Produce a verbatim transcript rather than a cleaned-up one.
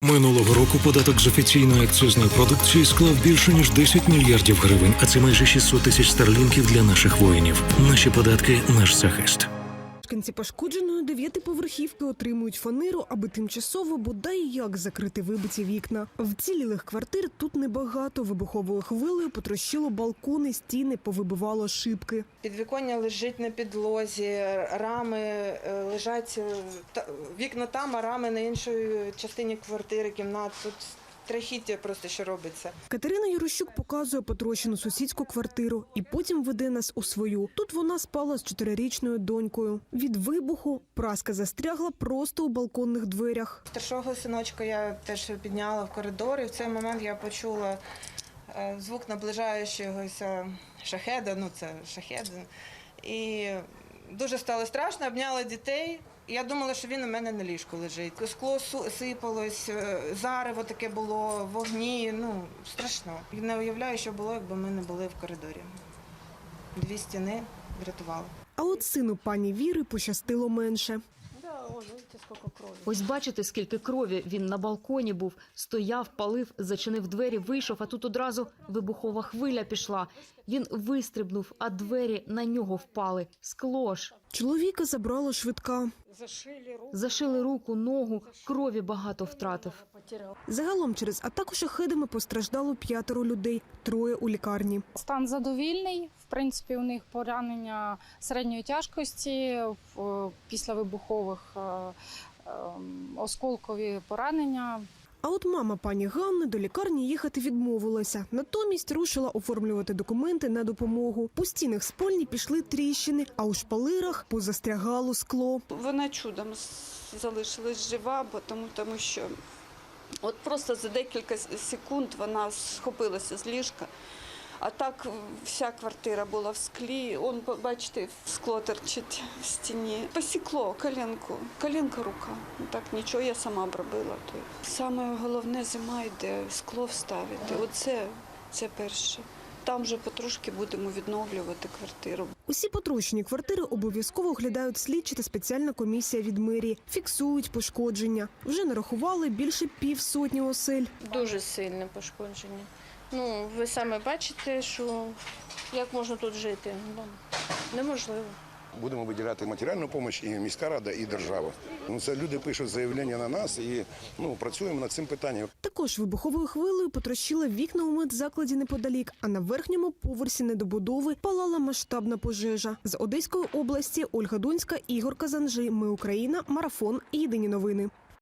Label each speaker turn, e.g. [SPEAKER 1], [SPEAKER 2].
[SPEAKER 1] Минулого року податок з офіційної акцизної продукції склав більше ніж десять мільярдів гривень, а це майже шістсот тисяч старлінків для наших воїнів. Наші податки – наш захист.
[SPEAKER 2] Мешканці пошкодженої дев'ятиповерхівки отримують фанеру, аби тимчасово бодай як закрити вибиті вікна. Вцілілих квартир тут небагато. Вибуховою хвилею потрощило балкони, стіни, повибивало шибки.
[SPEAKER 3] Підвіконня лежить на підлозі, рами лежать, вікна там, а рами на іншій частині квартири, кімнат. Тут страхіття просто, що робиться.
[SPEAKER 2] Катерина Єрощук показує потрощену сусідську квартиру і потім веде нас у свою. Тут вона спала з чотирирічною донькою. Від вибуху праска застрягла просто у балконних дверях.
[SPEAKER 3] Старшого синочка я теж підняла в коридор, і в цей момент я почула звук наближаючогося шахеда, ну це шахед. І дуже стало страшно, обняла дітей. Я думала, що він у мене на ліжку лежить. Скло сипалось, зарево таке було, вогні, ну, страшно. Я не уявляю, що було, якби ми не були в коридорі. Дві стіни врятували.
[SPEAKER 2] А от сину пані Віри пощастило менше.
[SPEAKER 4] Ось бачите, скільки крові. Він на балконі був, стояв, палив, зачинив двері, вийшов, а тут одразу вибухова хвиля пішла. Він вистрибнув, а двері на нього впали. Скло ж.
[SPEAKER 2] Чоловіка забрала швидка.
[SPEAKER 4] Зашили руку, ногу, крові багато втратив.
[SPEAKER 2] Загалом через атаку шахедами постраждало п'ятеро людей, троє у лікарні.
[SPEAKER 5] Стан задовільний. В принципі, у них поранення середньої тяжкості, після вибухових осколкові поранення.
[SPEAKER 2] А от мама пані Ганни до лікарні їхати відмовилася. Натомість рушила оформлювати документи на допомогу. По стінах спальні пішли тріщини, а у шпалерах позастрягало скло.
[SPEAKER 6] Вона чудом залишилась жива, бо тому, тому що от просто за декілька секунд вона схопилася з ліжка. А так вся квартира була в склі. Он, бачите, скло торчить в стіні. Посікло коленку, коленка рука. Так нічого, я сама б робила. Саме головне зима йде, скло вставити. Оце це перше. Там вже потрошки будемо відновлювати квартиру.
[SPEAKER 2] Усі потрощені квартири обов'язково оглядають слідчі та спеціальна комісія від мерії. Фіксують пошкодження. Вже нарахували більше півсотні осель.
[SPEAKER 7] Дуже сильне пошкодження. Ну, ви самі бачите, що як можна тут жити. Ну, неможливо.
[SPEAKER 8] Будемо виділяти матеріальну допомогу і міська рада, і держава. Ну, це люди пишуть заявлення на нас і ну, працюємо над цим питанням.
[SPEAKER 2] Також вибуховою хвилею потрощила вікна у медзакладі неподалік, а на верхньому поверсі недобудови палала масштабна пожежа. З Одеської області Ольга Донська, Ігор Казанжи. Ми Україна. Марафон. Єдині новини.